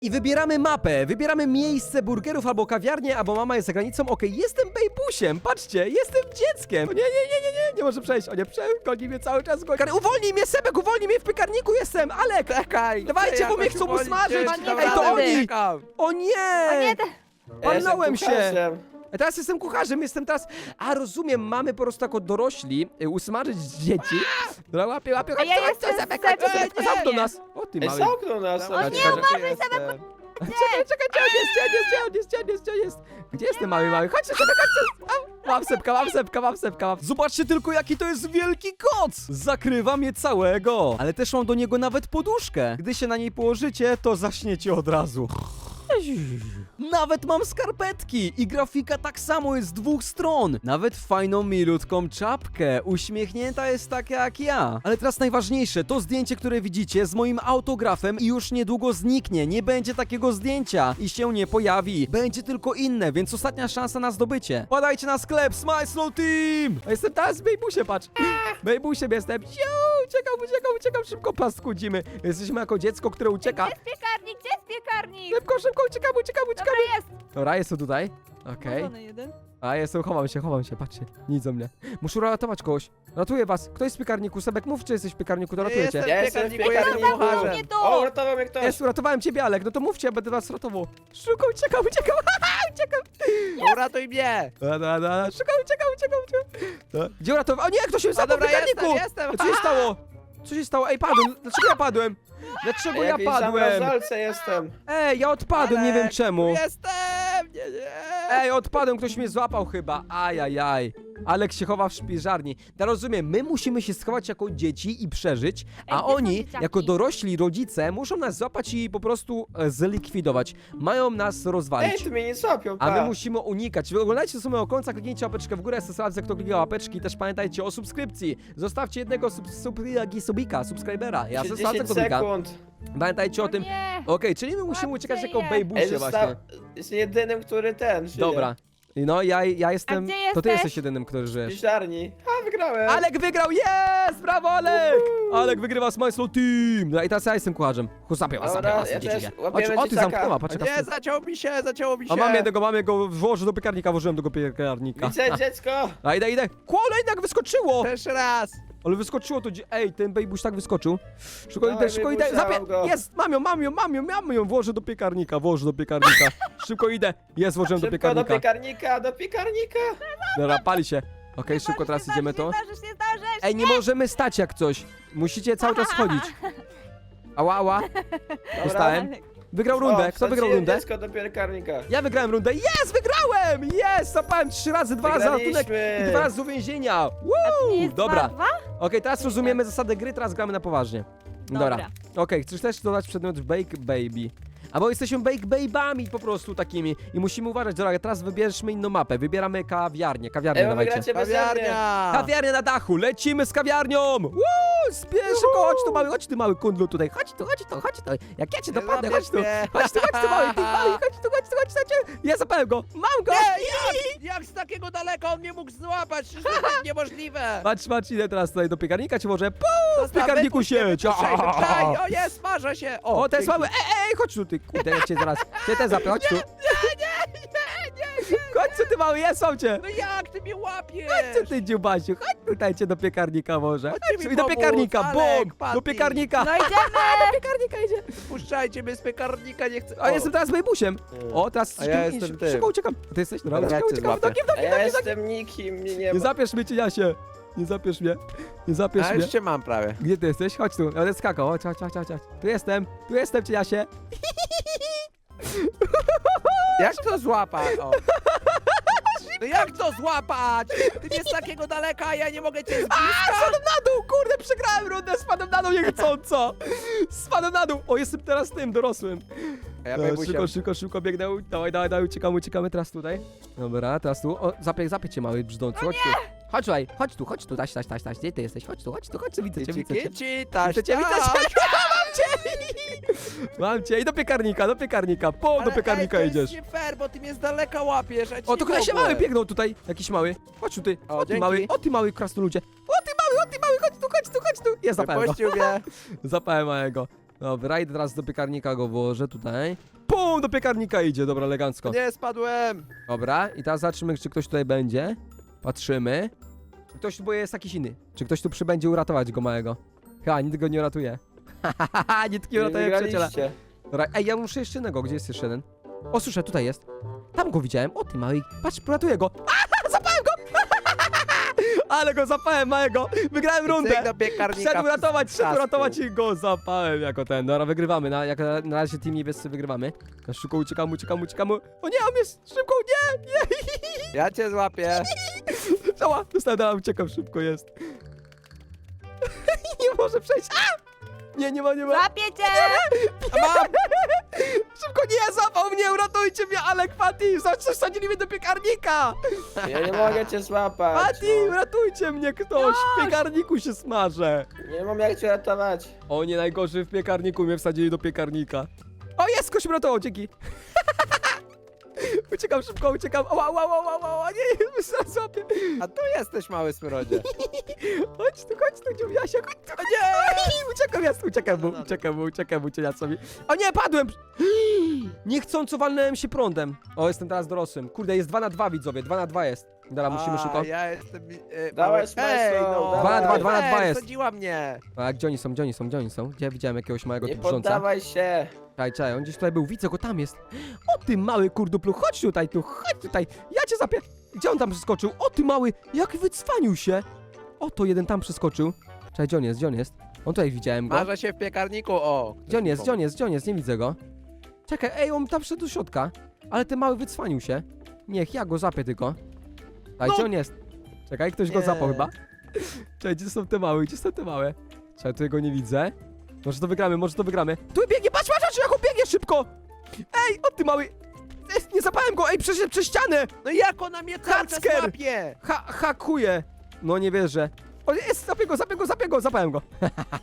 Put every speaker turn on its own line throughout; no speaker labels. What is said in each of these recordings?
I wybieramy mapę, wybieramy miejsce burgerów albo kawiarnię, albo mama jest za granicą. Okej, jestem bejbusiem, patrzcie, jestem dzieckiem. O nie może przejść, o nie, goni mnie cały czas. Uwolnij mnie, Sebek, uwolnij mnie, w piekarniku jestem, Alek.
Czekaj!
Dawajcie, bo mnie chcą usmażyć.
Ej, to
oni. O
O
nie!
nie,
Palnąłem się.
kucharzem.
Teraz jestem kucharzem, jestem teraz... A, rozumiem, mamy po prostu jako dorośli usmażyć dzieci. Dobra, łapię,
A ja jestem
Sebek,
Sebek.
zamknął nas. O ty
Ej,
mały.
zamknął nas.
O nie, uważaj, Sebek,
Czekaj, gdzie jest? Gdzie jest ten mały? Chodźcie. Mam sepka. Zobaczcie tylko, jaki to jest wielki koc! Zakrywa mnie całego. Ale też mam do niego nawet poduszkę. Gdy się na niej położycie, to zaśniecie od razu. Nawet mam skarpetki i grafika tak samo jest z dwóch stron. Nawet fajną, milutką czapkę. Uśmiechnięta jest taka jak ja. Ale teraz najważniejsze, to zdjęcie, które widzicie z moim autografem i już niedługo zniknie. Nie będzie takiego zdjęcia i się nie pojawi. Będzie tylko inne, więc ostatnia szansa na zdobycie. Padajcie na sklep Smile Slow Team! A jestem teraz w Bejbusie, patrz. Bejbusiem jestem. Uciekam, szybko paskudzimy. Jesteśmy jako dziecko, które ucieka.
Gdzie jest piekarnik? Gdzie jest piekarnik?
Szybko, uciekamy.
Dobra, jest.
Dobra, jestem tutaj. Okej.
Włączony jeden.
A jestem, chowam się, patrzcie. Nic o mnie. Muszę ratować kogoś. Ratuję was. Kto jest w piekarniku? Sebek, mów, czy jesteś w piekarniku, to ratujecie.
Jestem.
Ja jestem w
Piekarniku, jestem
piekarniku.
kucharzem.
Nie tu.
O, uratował mnie ktoś.
Jest, uratowałem ciebie, Alek. No to mówcie, ja będę was ratował. Szybko, uciekam. Uciekam.
Uratuj mnie!
Szybko, uciekam. Gdzie uratował? O nie, ktoś się zapadł w
dobra,
piekarniku!
jestem.
Co się stało? Co się stało? Ej, padłem. Dlaczego ja padłem? Dlaczego ja
Jakiejś
padłem?
zamrażalce jestem.
Ej, ja odpadłem, nie wiem czemu.
Jestem! Nie.
Ej, odpadłem, ktoś mnie złapał chyba. Ajajaj. Alek się chowa w szpiżarni. Ja rozumiem, my musimy się schować jako dzieci i przeżyć, a
Ej, gdzie są
oni,
dzieciaki?
jako dorośli rodzice, muszą nas złapać i po prostu zlikwidować. Mają nas
Ej,
rozwalić.
tu mnie nie złapią,
A my
pa.
musimy unikać. Wy oglądajcie do samego końca, kliknijcie łapeczkę w górę, stosowałem kto klika łapeczki. Też pamiętajcie o subskrypcji. Zostawcie jednego subskrybera. Ja
Jeszcze
zostawię
10
kto klika.
sekund.
Pamiętajcie o tym.
Nie.
Okej, czyli my musimy
Łapcie
uciekać jako
je.
bejbusie
Ej,
właśnie.
jest jedynym, który żyje.
Dobra. No, ja jestem...
gdzie
To ty
jesteś?
jesteś jedynym, który
W
żyjesz.
piżarni. A, wygrałem.
Alek wygrał! Jest! Brawo, Alek! Alek wygrywa z My Slow Team! No i teraz ja jestem kucharzem. Zapię was,
Dobra, ja
idziecie.
też łapiemy
O, ty
dzieciaka.
zamknęła, patrz jaka
Nie, zaciął mi się.
A mam jego, włożę do piekarnika, włożyłem do piekarnika.
Widzę dziecko.
A idę. Kolejnak wyskoczyło!
Też raz.
Ale wyskoczyło to, ej, ten bejbuś tak wyskoczył. Szybko
Dawaj,
idę,
bejbusia,
zapię.
mam go.
Jest, mam ją, włożę do piekarnika. Szybko idę. Jest, włożyłem do
Szybko do
piekarnika.
piekarnika.
Dobra, pali się. Okej, szybko teraz idziemy to.
Nie zdążysz.
Ej, nie możemy stać jak coś. Musicie cały czas chodzić. Ała. Dostałem. Wygrał rundę. Kto wygrał rundę?
Dziecko do piekarnika.
Ja wygrałem rundę. Wygrałem! Zapałem 3 razy, 2 razy ratunek
Wygraliśmy.
i 2 razy do więzienia.
Nie jest
Dobra.
2-2?
Okej, teraz rozumiemy zasady gry, teraz gramy na poważnie.
Dobra.
Okej, chcesz też dodać przedmiot Bake Baby? Albo jesteśmy Bake Baby'ami po prostu takimi i musimy uważać. Dobra, teraz wybierzmy inną mapę. Wybieramy kawiarnię. Kawiarnię
Ej, bo
dawajcie.
wygracie beze mnie.
Kawiarnia!
Kawiarnia na dachu, lecimy z kawiarnią! Szybko, chodź tu mały kundlu tutaj, chodź tu. Jak ja cię dopadnę, chodź tu mały, chodź tu. Ja zapałem go, mam go!
Jak z takiego daleka on mnie mógł złapać? Przecież to jest niemożliwe!
Patrz, idę teraz tutaj do piekarnika, czy może w
Zostaw,
piekarniku
wypuść mnie,
siedź!
wypuszczaj. O nie, smażę się!
O, to jest
dzięki.
mały, chodź tu, ty, kurde, ja cię zaraz, cię też zapię, chodź tu.
Nie!
Chodź tu, ty mały, mam cię.
No jak ty mnie łapiesz?
Chodź tu, ty dziubasiu, chodź tutaj cię do piekarnika może.
Chodźcie mi
Chodź do
pomóc,
piekarnika,
Alek,
bum,
Patty.
do piekarnika.
No idziemy.
Do piekarnika idzie.
Puszczajcie mnie z piekarnika, nie chcę...
A jestem teraz bejbusiem. O, teraz
A ja jestem tym.
szybko uciekam. A ty jesteś? Dobra,
Dobra, ja cię
uciekam.
złapię.
A ja jestem nikim, mnie nie
Nie
ma.
zapiesz mnie, cieniasie. Nie zapiesz mnie. Nie zapiesz
A
mnie.
już cię mam prawie.
Gdzie ty jesteś? Chodź tu. Ja będę skakał. Chodź. Tu jestem, cieniasie.
Jak to złapać? O. No jak to złapać? Ty mnie z takiego daleka, a ja nie mogę cię z bliska?
Spadłem na dół, kurde, przegrałem rundę. Spadłem na dół niechcąco. Spadłem na dół. O, jestem teraz tym dorosłym.
A ja bym
Szybko biegnę. Dawaj, uciekamy teraz tutaj. Dobra, teraz tu. O, zapię cię, mały brzdącu. Chodź tu. Chodź tu, taś. Gdzie ty jesteś? Chodź tu, widzę cię.
Kici, taś,
Widzę cię. Mam cię. I do piekarnika. Do piekarnika
ej,
idziesz.
To jest nie fair, bo ty mnie z daleka łapiesz, a ci
O, to
nie
ktoś się
mogłem.
mały biegnął tutaj. Jakiś mały. Chodź tu, ty.
O,
O, ty
dzięki.
mały. O, ty mały krasnoludzie. O, ty mały. Chodź tu. Jest zapałem go.
Wypuścił mnie.
Zapałem małego. Dobra, idę teraz do piekarnika, go włożę tutaj. Pum, do piekarnika idzie, dobra, elegancko.
Nie, spadłem.
Dobra, i teraz zobaczymy, czy ktoś tutaj będzie. Patrzymy. Ktoś, bo jest jakiś inny. Czy ktoś tu przybędzie uratować go małego? Chyba, nikt go nie uratuje. Nikt nie uratuje przyjaciela.
wygraliście.
Dobra, ej, ja muszę jeszcze jednego. Gdzie jest jeszcze jeden? O, słyszę, tutaj jest. Tam go widziałem. O, ty mały. Patrz, uratuję go. Zapałem go! Ale go zapałem, małego. Wygrałem rundę.
Cyk do piekarnika.
Szedł
Czasku.
uratować i go zapałem jako ten. Dobra, wygrywamy. Na razie team niebiescy wygrywamy. Ja szybko uciekamy. O nie, on jest szybko, nie.
Ja cię złapię.
Cała, dostałem, dobra, uciekam, szybko jest. Nie może przejść. A! Nie ma.
Złapię cię!
A mam!
Szybko, nie, złapał mnie, uratujcie mnie, Alek, Fati, wsadzili mnie do piekarnika.
Ja nie mogę cię złapać.
Fati, uratujcie mnie ktoś, w piekarniku się smażę.
Nie mam jak cię ratować.
O nie, najgorzej w piekarniku mnie wsadzili do piekarnika. O, jest, ktoś mnie uratował, dzięki. Uciekam szybko, ała, nie, zaraz złapię.
A tu jesteś, mały smrodzie.
Chodź tu, dziubiasia, chodź tu. O nie! Uciekam mu, cieniacowi. O nie, padłem! Niechcąco walnąłem się prądem. O, jestem teraz dorosłym. Kurde, jest 2 na 2, widzowie, 2 na 2 jest. Dobra, musimy
A,
szybko.
Ja jestem...
Dawaj,
mały...
Smajso,
Ej, no.
dawaj.
2 na 2 jest.
Wsadziła mnie.
A gdzie oni są? Gdzie ja widziałem jakiegoś małego
Nie
tu brząca?
poddawaj się.
Czekaj, on gdzieś tutaj był, widzę go, tam jest. O ty mały kurduplu, chodź tutaj. Ja cię zapię. Gdzie on tam przeskoczył? O ty mały, jak wycwanił się. O, to jeden tam przeskoczył. Czekaj, gdzie on jest? On tutaj widziałem go.
Marzę się w piekarniku, o.
Gdzie on jest? Nie widzę go. Czekaj, ej, on tam wszedł do środka. Ale ten mały wycwanił się. Niech, ja go zapię tylko. A
No.
gdzie on jest? Czekaj, ktoś go
Nie.
zapał chyba. Czekaj, gdzie są te małe? Czekaj, tu go nie widzę. Może to wygramy. Tu biegnie, patrz, jak on biegnie szybko! Ej, o ty mały! Nie zapałem go, ej, przeszedł przez ścianę!
No jak ona mnie cały czas
Hacker!
łapie?
Hakuje! No nie wierzę. O, jest, zapię go, zapałem go.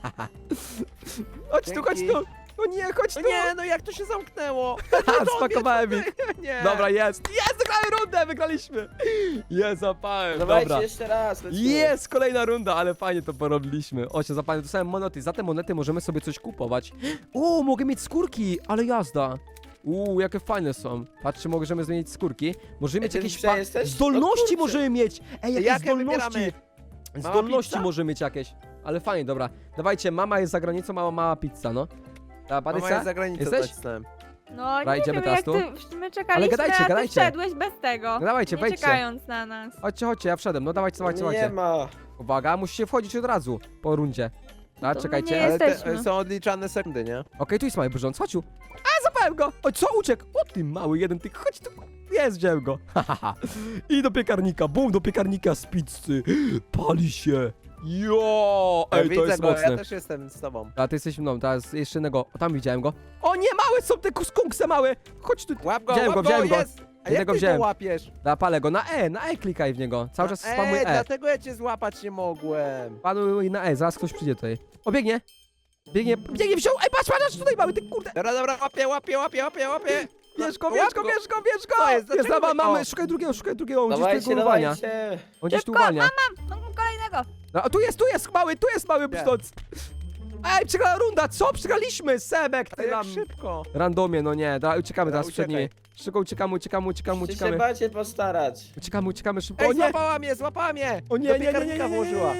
Chodź tu. O nie, chodź tu.
No nie, no jak to się zamknęło?
Spakowałem ich.
Nie.
Dobra, jest, wygrałem rundę, wygraliśmy. Jest, zapałem,
Dawajcie
dobra.
jeszcze raz. lecimy.
Jest, kolejna runda, ale fajnie to porobiliśmy. O, się zapałem, dostałem monety, za te monety możemy sobie coś kupować. O, mogę mieć skórki, ale jazda. Jakie fajne są. Patrzcie, możemy zmienić skórki. Możemy mieć
ty
jakieś
dzisiaj jesteś?
zdolności,
No kurczę.
możemy mieć. Ej, jakieś
Jakie
zdolności.
wybieramy?
Zdolności
pizza?
możemy mieć jakieś. Ale fajnie, dobra. Dawajcie, mama jest za granicą, mała pizza, no. Ta
Mama
Patrycja?
jest za granicą,
Jesteś?
nacisnąłem.
No
Dobra,
nie
idziemy
wiem,
teraz
jak
tu?
my czekaliśmy,
gadajcie,
a
gadajcie.
ty wszedłeś bez tego.
No dawajcie,
nie
wejdźcie.
czekając na nas.
Chodźcie, ja wszedłem. No dawajcie.
Nie ma.
Uwaga, musicie wchodzić od razu po rundzie. A,
To
czekajcie.
nie
Okej,
jest-
Ale
Jesteśmy.
są odliczane sekundy, nie?
tu jest mały brząc, chodź tu. A, zapałem go! O, co, uciekł? O, ty mały jeden, ty, chodź tu. Jest, wziąłem go. I do piekarnika, bum, do piekarnika z pizzy. Pali się. Jo! Ej, to
Widzę
jest
go,
mocne.
ja też jestem z tobą.
A ty jesteś mną, teraz jeszcze innego. O, tam widziałem go. O nie, małe są te skunkse małe! Chodź tu.
Łap go,
Wziąłem
łap
go.
jest! A jak
Jednego
ty
wziąłem.
to łapiesz?
Palę go na E klikaj w niego. Cały czas spamuj E.
Dlatego ja cię złapać nie mogłem.
Panuj na E, zaraz ktoś przyjdzie tutaj. O, biegnie, wziął! Ej, patrz, tutaj mały, ty kurde!
Dobra, łapię.
Bierz go!
Co jest?
Jest,
Dlaczego
dobra,
wy-
mamy,
O.
szukaj drugiego, on gdzieś
Dawajcie,
tu uwalnia.
dawajcie.
On gdzieś tu
Szybko,
uwalnia.
No, kolejnego.
No, a tu jest mały brzdąc. Ej, przegrała runda, co? Przegraliśmy, Sebek,
Ale
ty
jak
nam.
szybko.
Randomie, no nie, uciekamy
Dobra,
teraz przed nimi.
uciekaj.
Szybko
Musicie się bardziej postarać.
Uciekamy szybko.
Ej,
O nie!
złapała mnie!
O nie,
Do
nie.
piekarnika włożyła.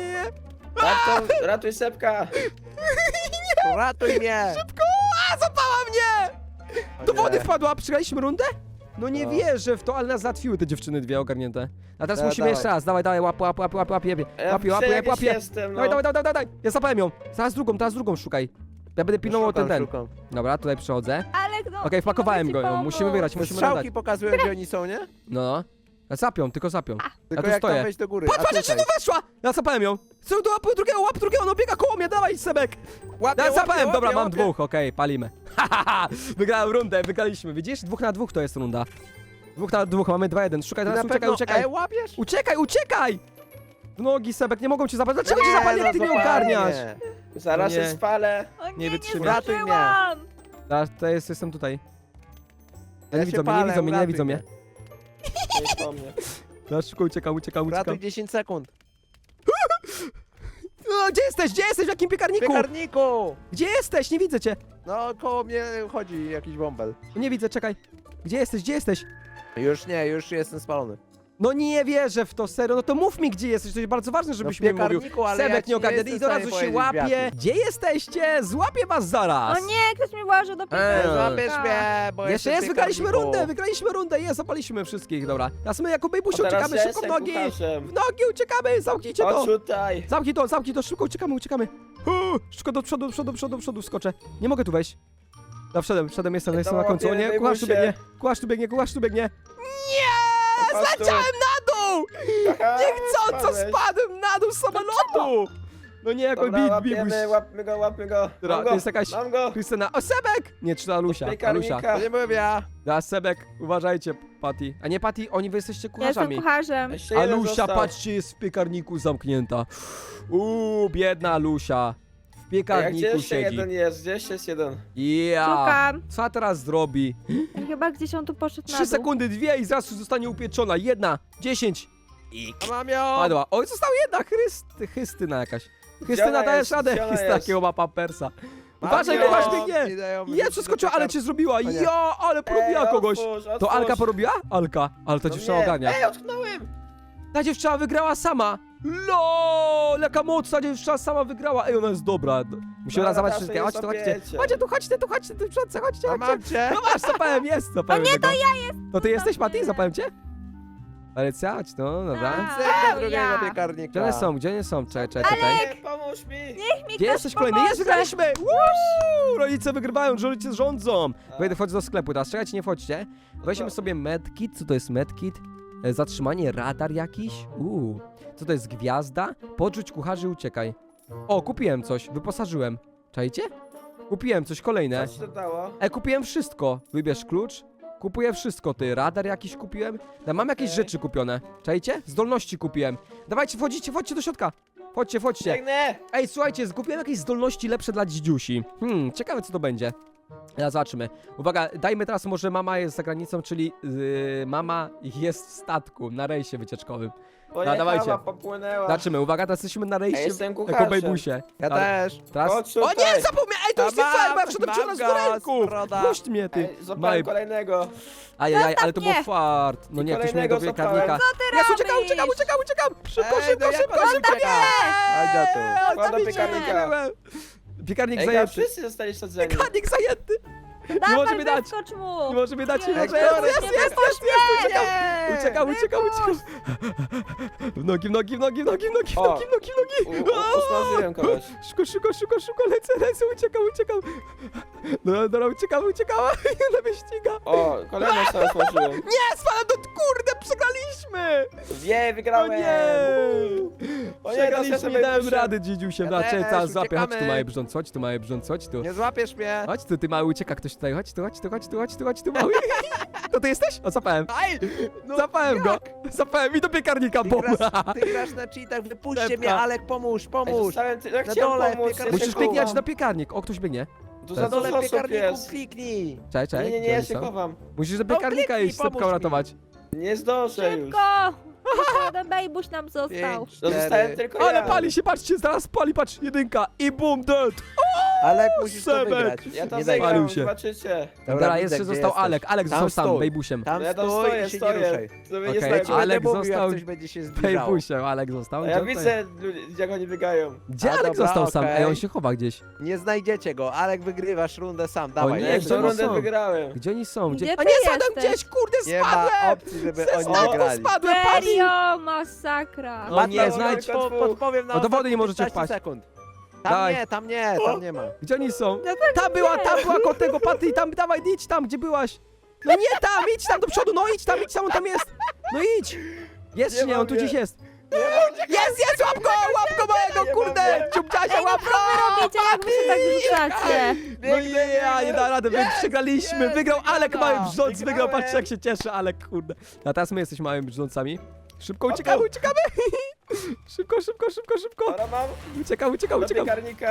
Ratuj Sepka.
Ratuj mnie!
A, zapała mnie!
O
Do
nie.
wody wpadła, przegraliśmy rundę? No nie
No.
wierzę w to, ale nas zatwiły te dziewczyny dwie ogarnięte. A teraz
Dobra,
musimy
dawaj.
jeszcze raz, dawaj, łap.
Jakiś jestem, no.
Dawaj. Ja zapałem ją. Teraz drugą szukaj. Ja będę pilnował ten.
Szukam.
Dobra, tutaj przychodzę.
Alek, no.
Okej, wpakowałem
nie
go,
mogę ci
musimy
pomóc.
wygrać,
Te
musimy nadać.
strzałki pokazują, gdzie oni są, nie?
No. Tylko zapią.
Tylko
tu
jak
stoję.
tam wejść do góry.
Patrz,
A
jak się
tutaj.
tu weszła! Ja zapałem ją. Co do łap drugiego, no biega koło mnie, dawaj Sebek.
Łapię,
Ja zapałem,
łapię,
dobra, mam
łapię.
dwóch, okej, palimy. Wygrałem rundę, wygraliśmy, widzisz? 2 na 2 to jest runda. 2 na 2, mamy 2-1. Szukaj
Ty
teraz,
na pewno
uciekaj.
łapiesz?
Uciekaj! W nogi, Sebek, nie mogą cię zabrać. Dlaczego cię zabrali, jak ty mnie
złapali
ogarniasz?
mnie.
Zaraz
Nie.
się spalę.
O
Nie
nie
wytrzymam.
Ratuj mnie.
zdążyłam.
Jestem tutaj.
Ja
Nie
się
widzą mnie,
palę,
nie
uratuj
widzą mnie.
Nie po mnie.
Ja szybko uciekam.
Ratuj 10 sekund.
gdzie jesteś? Gdzie jesteś? W jakim
W
piekarniku?
piekarniku!
Gdzie jesteś? Nie widzę cię.
No, koło mnie chodzi jakiś bąbel.
Nie widzę, czekaj. Gdzie jesteś? Gdzie jesteś?
Już nie, już jestem spalony.
No nie wierzę w to, serio. No to mów mi, gdzie jesteś. To jest bardzo ważne, żebyś
w
mi mówił.
piekarniku, ale ja
Sebek
ci
nie
nie
ogarnia
jestem
i od razu
w
się
stanie
łapie.
powiedzieć,
Gdzie jesteście? Złapię was zaraz.
O nie, ktoś mi włożył do piekarnika.
Złapiesz mnie, bo
Jeszcze
jestem
jest,
w
wygraliśmy
piekarniku.
rundę, jest, zapaliśmy wszystkich, dobra. Teraz my jako Bejbusiu
A teraz
uciekamy,
ja
szybko w
jestem
nogi!
kucharzem.
W nogi uciekamy, zamknijcie to!
Chodź tutaj.
Zamknij to, szybko uciekamy. Szybko do przodu, wskoczę. Nie mogę tu wejść. No wszedłem, jestem na końcu. O nie,
Bejbusie.
kucharz tu biegnie.
Chodź tu.
Zleciałem na dół!
Aha,
Niechcąco
spadłeś.
spadłem na dół z samolotu! No nie, jako
Dobra,
Bibuś.
łapmy go.
Dobra,
Mam
to
go,
jest jakaś
mam go.
Krystyna. O, Sebek! Nie, czy to Alusia?
Piekarnika.
To nie byłem ja.
Da, Sebek, uważajcie, Patty. A nie, Patty, oni wy jesteście
Ja jestem
kucharzami.
kucharzem.
Jeszcze jeden
Alusia,
został.
patrzcie, jest w piekarniku zamknięta. Biedna Alusia. W
Ej, a gdzie
piekarniku
jeszcze
siedzi.
jeden jest? Gdzie jeszcze jest jeden?
Ja.
Szukam.
Co teraz zrobi?
Chyba gdzieś on tu poszedł na
3
dół.
sekundy, 2 i zaraz zostanie upieczona. 1, 10 i
A mam ją!
padła. Oj, została jedna, Chrystyna jakaś. Krystyna,
ona
dajesz
jest?
radę.
Gdzie ona
Jest
jest?
takiego ma pampersa.
Mam
Uważaj,
ją.
kucharz biegnie.
Idę ją
Je,
wyrzucić
przeskoczyła,
do
ale
piekar-
cię zrobiła.
O nie.
Ja, ale porobiła kogoś.
Otwórz.
To Alka porobiła? Alka. Ale ta
No
dziewczyna
nie.
ogarnia.
Ej, utknąłem.
Ta dziewczyna wygrała sama. LOL, jaka mocna dziewczyna sama wygrała. Ej, ona jest dobra. Musimy raz zobaczyć wszystkie. Chodźcie, chodźcie, tu przodce, chodźcie.
A mam cię!
No masz, zapałem, jest, zapałem. Nie, to ja jestem. To ty jesteś, Patty? Zapałem cię? Alecja, chodź, no, dobra.
Tak.
Cyk do drugiego
Ja.
piekarnika.
Gdzie one są? Czekaj.
Alek, pomóż mi.
Niech mi
Gdzie
ktoś
jesteś kolejny?
pomoże.
Jest, wygraliśmy! Woo! Rodzice wygrywają, rodzice rządzą. Wejdę, wchodzę do sklepu teraz, czekajcie, nie wchodźcie. Weźmy sobie medkit, co to jest medkit? Zatrzymanie, radar jakiś? Co to jest gwiazda? Podrzuć kucharzy, uciekaj. O, kupiłem coś, wyposażyłem. Czajcie? Kupiłem coś, kolejne.
Co ci to dało?
Kupiłem wszystko. Wybierz klucz. Kupuję wszystko, ty. Radar jakiś kupiłem. Mam jakieś
Okej.
rzeczy kupione. Czajcie? Zdolności kupiłem. Dawajcie, wchodźcie do środka. Wchodźcie.
Biegnę.
Ej, słuchajcie, zgubiłem jakieś zdolności lepsze dla dzidziusi. Ciekawe co to będzie. Teraz zobaczymy. Uwaga, dajmy teraz może mama jest za granicą, czyli mama jest w statku na rejsie wycieczkowym.
Pojechała,
dawajcie.
popłynęła.
Zobaczymy, uwaga, teraz jesteśmy na rejsie
jestem
jako
kucharzem.
bejbusie.
Ja
Ale
też.
Teraz...
Chodź
O
tutaj.
nie, zapomniałem! Ej, to już nie
Mam,
fair, bo ja wszedłem
mam
przez do ręku!
broda.
Puść mnie, ty.
Ej, złapałem
Mały...
kolejnego.
Ajajaj, ale to był
mnie.
fart. No
I
nie, ktoś mnie do
kolejnego
piekarnika.
złapałem.
Ja
robisz?
uciekam! Szybko,
Ej,
szybko,
no jak
szybko,
on
szybko!
ucieka? Chodź do tu.
Nie!
Wkładam
Zabicie
piekarnika.
mnie. Piekarnik
Ej, tam
zajęty.
wszyscy zostali sadzeni.
Piekarnik zajęty!
Dawaj,
może mi dać.
wyskocz mu.
Nie może mnie dać, nie
Jest,
może.
jest,
Uciekam! W nogi!
O, usmażyłem kogoś.
Szybko, lecę, uciekam! Dobra, uciekam! Na mnie ściga!
O, kolejną sobie usmażyłem.
Nie, spadam kurde, przegraliśmy!
Nie,
O
wygrałem.
nie!
O nie,
Przegraliśmy, nie dałem rady, dzidziusiem.
Ja
Raczej
też,
teraz złapię. Chodź tu,
uciekamy.
mały brząc, chodź tu.
Nie złapiesz mnie!
Chodź tu, ty mały, ucieka ktoś tutaj. Chodź tu, mały. To ty jesteś? O, zapałem.
Aj! No,
Zapałem go. Zapałem i do piekarnika,
Ty
bum.
grasz na cheatach, wypuśćcie
Sepka.
mnie, Alek, pomóż!
Jak
Na
chciałem
dole,
pomóc,
piekarnik.
Musisz
jeszcze
kliknąć
chowam.
na piekarnik. O, ktoś biegnie.
Tu
Na
za
Na dole
dużo
w
osób
piekarniku
jest.
kliknij!
Czekaj,
Nie,
gdzie
ja
oni
się
są?
chowam.
Musisz do
No,
piekarnika
kliknij,
iść, Sepka
pomóż mi.
uratować.
Nie zdążę już.
Szybko. Tylko jeden bejbuś nam został.
5,
No zostałem tylko
Ale
ja.
pali się, patrzcie, zaraz pali, patrz, jedynka i bum, dead.
Alek, musisz to
Sebek.
wygrać.
Ja tam
Nie daj
Palił
zagram,
się.
zobaczycie.
Dobra,
widzę,
jeszcze
gdzie
został
jesteś.
Alek. Alek
Tam
został sam,
stój.
bejbusiem.
Tam
Ja tam
stój i się nie ruszaj.
Sobie
Okej,
nie
Ja ci
snajpię.
Alek
będę mówił,
został
jak coś będzie się zbliżało.
Bejbusiem, Alek został.
A
Gdzie
ja
on
widzę, jak oni biegają.
Gdzie
A,
Alek
dobra,
został sam?
okej.
Ej, on się chowa gdzieś.
Nie znajdziecie go. Alek, wygrywasz rundę sam. Dawaj,
nie,
Ja
lecz.
gdzie
już
oni
rundę
są?
wygrałem.
Gdzie oni są?
Gdzie
A
ty
nie, spadłem
jesteś?
gdzieś, kurde,
Nie ma
spadłem!
opcji, żeby
Ze
oni
statku
wygrali.
spadłem, Patty!
Serio, masakra.
O nie,
Mateusz,
znajdź.
podpowiem na
No do wody nie
ostatnie
możecie
15
wpaść.
sekund.
Dawaj.
Tam nie ma.
Gdzie oni są?
No tak
Ta była koło tego, Patty, tam, dawaj, idź tam, gdzie byłaś. No nie tam, idź tam do przodu, no idź tam, on tam jest. No idź. Jest
Nie
czy nie, on tu
mogę.
gdzieś jest. Jest, łap go mojego,
Nie
kurde,
mogę.
ciupciasia, łap go.
Robicie, jak wy się tak wyrzucacie.
No nie da rady, my przegraliśmy,
jest,
wygrał Alek
wygrana.
mały brzdąc, wygrał,
Wygrałem.
patrzcie jak się cieszy Alek, kurde. A teraz my jesteśmy małymi brzdącami. Szybko
O,
uciekamy. Szybko.
Dobra, mam
Uciekam.
do piekarnika.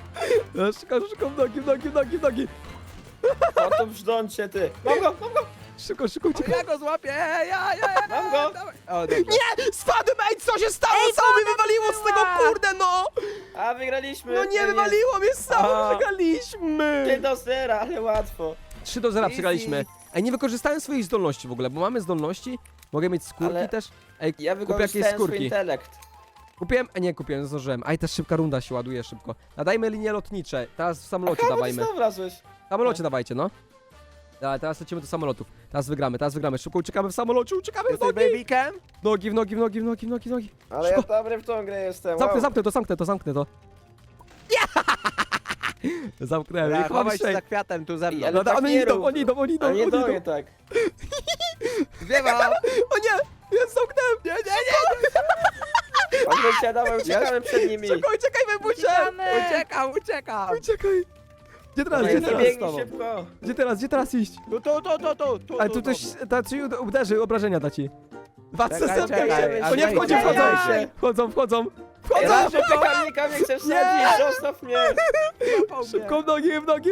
No, szybko, w nogi.
O, to brzdącie, ty. Mam go.
Szybko, szybko, uciekaj.
Ja go złapię, ja.
Mam go.
Dawaj. O, dobra.
Nie! Spadłem, ej, co się stało?
Ej,
Samo mnie
woda
wywaliło z tego,
była.
kurde, no!
A, wygraliśmy.
No nie,
Ej,
wywaliło mnie samo,
A.
przegraliśmy!
3-0, ale łatwo.
3-0
Easy.
przegraliśmy. Ej, nie wykorzystałem swoich zdolności w ogóle, bo mamy zdolności. Mogę mieć skórki
Ale
też. Ej,
Ja
kupię jakieś
wykorzystałem swój
skórki.
intelekt.
Kupiłem, a nie kupiłem, zdążyłem. Aj, też szybka runda się ładuje szybko. Nadajmy linie lotnicze. Teraz w samolocie
Aha,
dawajmy.
bo ty wlazłeś.
W samolocie dawajcie, no. Dawaj, teraz lecimy do samolotów. Teraz wygramy. Szybko uciekamy w samolocie, uciekamy w
Jesteś
nogi!
babykiem?
Nogi, w nogi, w nogi, w nogi, w nogi, w nogi.
Ale ja
Szybko.
dobry w tą grę jestem.
Zamknę to. Nie! Zamknąłem,
Ja,
ich mam
chowaj się
sześć.
za kwiatem tu ze mną.
Ale
No,
tak
one
nie
idą,
rób.
oni idą.
Ale nie do mnie tak.
Zwiewa!
O nie! Jest zamknąłem! Nie!
Odwróćcie, dawaj, uciekamy przed nimi.
Szybko, uciekaj, wybusie!
Uciekamy.
Uciekam!
Uciekaj! Gdzie teraz,
Dawaj,
gdzie teraz?
biegnij szybko.
Gdzie teraz iść?
Tu.
Ale tu ktoś da ci uderzy, obrażenia da ci. Patrzcie,
Czekaj,
zamknij
czekaj,
się!
a
O nie,
wejdź,
wchodzi,
wejdź.
wchodzą!
Ej,
Wchodzą!
że piekarnika mnie chce wsadzić, zostaw mnie.
Szybko w nogi!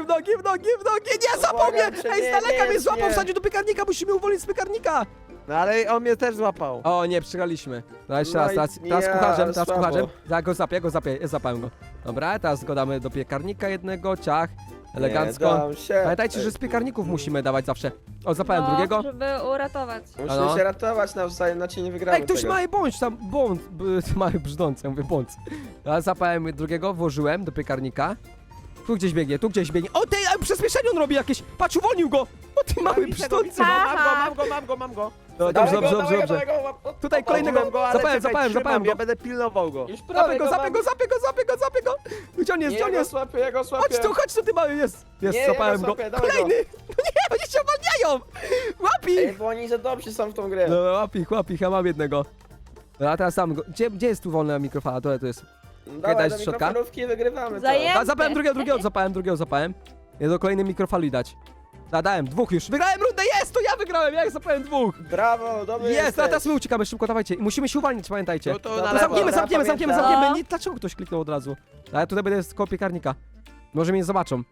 Nie, złapał mnie!
Błagam cię,
Ej, z
nie,
daleka
nie,
mnie złapał,
nie.
wsadził do piekarnika, musimy uwolnić z piekarnika!
No ale on mnie też złapał.
O nie, przegraliśmy. Dobra, jeszcze
No
raz,
i
teraz
ja,
kucharzem,
słabo.
Ja go zapię, złapałem go. Dobra, teraz go damy do piekarnika jednego, ciach, elegancko.
Nie, dam się.
Pamiętajcie, że z piekarników musimy dawać zawsze. O, zapałem
No,
drugiego.
żeby uratować.
Musimy
Ano.
się ratować nawzajem, inaczej nie wygramy
Ej, ktoś
tego.
mały bądź tam, mały brzdąc, ja mówię bądź. Ja zapałem drugiego, włożyłem do piekarnika. Tu gdzieś biegnie. O, tej, przyspieszenie on robi jakieś. Patrz, uwolnił go. O, ty mały
Widzę
brzdący.
go,
Aha.
mam go.
No,
Dawaj
dobrze,
go,
dobrze,
dawaj go,
dobrze.
dawaj go.
Tutaj kolejnego.
Mam go, ale czekaj,
Zapałem
trzymam,
go.
ja będę pilnował go.
Już
Zapię
prawie
go. Gdzie on jest,
Nie, ja go słapię,
Chodź tu, ty mały, jest. Jest,
Nie,
zapałem
ja
go.
go słapię, dawaj
Kolejny. No nie, oni się uwalniają. Łap
Ej,
ich.
bo oni za dobrzy są w tą grę.
No, łap ich, ja mam jednego. A teraz sam go. Gdzie jest tu wolna mikrofala? To jest.
Dawaj
daj
do
z środka.
mikrofalówki i wygrywamy to.
Zajem-
A, zapałem drugiego. Ja do kolejnej mikrofali dać. Dałem dwóch już. Wygrałem rundę, jest! To ja wygrałem, ja zapałem dwóch.
Brawo, dobry
Jest, a
jesteś.
teraz my uciekamy, szybko, dawajcie. I musimy się uwalniać, pamiętajcie.
Tu,
No
na
to
lewo.
Zamkniemy.
No.
Nie, dlaczego ktoś kliknął od razu? A ja tutaj będę koło piekarnika. Może mnie nie zobaczą.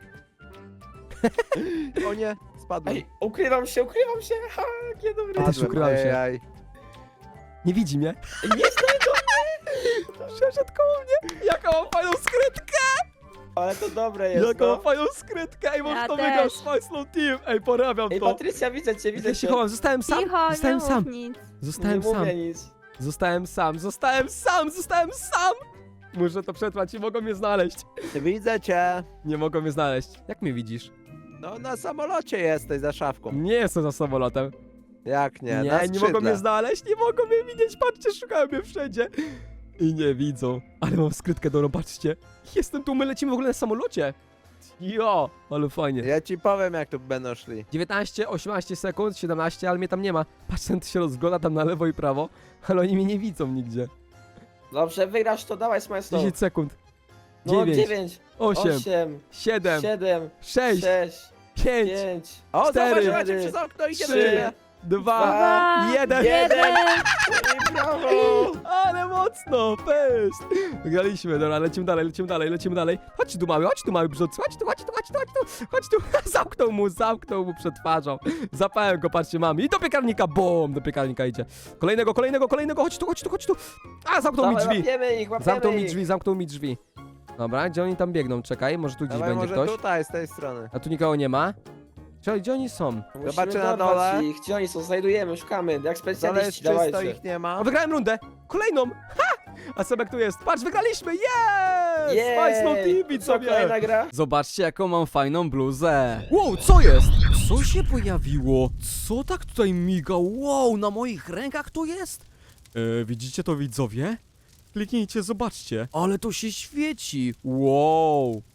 O nie, spadłem.
Ej, ukrywam się. Ha, jakie dobre.
Ja też ukrywam się.
Ej.
Nie widzi mnie.
Nie znajdą.
Przeszedł koło mnie. Jaką mam fajną skrytkę!
Ale to dobre jest,
Jaką
no.
mam fajną skrytkę! Ej, może
Ja
to
też.
wygrał Spice Slow Team! Ej, porabiam
Ej,
to!
Patrycja, widzę cię.
Ja się chowam, zostałem sam!
Cicho,
Zostałem
nie
sam!
mów nic.
Zostałem
Nie
sam!
mówię nic.
Zostałem sam! Muszę to przetrwać i mogą mnie znaleźć.
Widzę cię.
Nie mogą mnie znaleźć. Jak mnie widzisz?
No na samolocie jesteś za szafką.
Nie jestem za samolotem.
Jak nie? Na
Nie mogą
skrzydle.
mnie znaleźć, nie mogą mnie widzieć. Patrzcie, szukają mnie wszędzie. I nie widzą. Ale mam skrytkę dobrą, patrzcie. Jestem tu, my lecimy w ogóle na samolocie. Jo, ale fajnie.
Ja ci powiem jak tu będą szli.
19, 18 sekund, 17, ale mnie tam nie ma. Patrz, ten się rozgląda tam na lewo i prawo, ale oni mnie nie widzą nigdzie.
Dobrze, wygrasz to, dawaj Smajslow.
10 sekund.
No,
9, 8,
8,
7,
7,
6,
6,
5,
5,
O,
Cztery,
zobacz, macie przez okno, idzie do
3,
ciebie.
2,
Dwa,
1.
1. I brawo!
Ale mocno, fest! Wygraliśmy, dobra, lecimy dalej. Chodź tu mały brzdący, chodź tu. Zamknął mu przed twarzą. Zapałem go, patrzcie, mam. I do piekarnika, bum, do piekarnika idzie. Kolejnego, chodź tu. A, zamknął mi
Dawaj,
drzwi.
łapiemy ich.
Zamknął mi drzwi. Dobra, gdzie oni tam biegną? Czekaj, może tu gdzieś
Dawaj,
będzie
może
ktoś.
tutaj, z tej strony.
A tu nikogo nie ma. Gdzie oni są?
Musimy
Zobaczę na
dorwać
dole.
Ich. Gdzie oni są? Znajdujemy, szukamy. Jak
Dole
specjaliści,
jest czysto,
dawajcie.
ich nie ma.
O, wygrałem rundę! Kolejną! Ha! A Sebek tu jest. Patrz, wygraliśmy! Yes! Spice Slow TV,
Co, kolejna gra?
Zobaczcie, jaką mam fajną bluzę. Wow, co jest? Co się pojawiło? Co tak tutaj miga? Wow, na moich rękach to jest? Widzicie to, widzowie? Kliknijcie, zobaczcie. Ale to się świeci. Wow.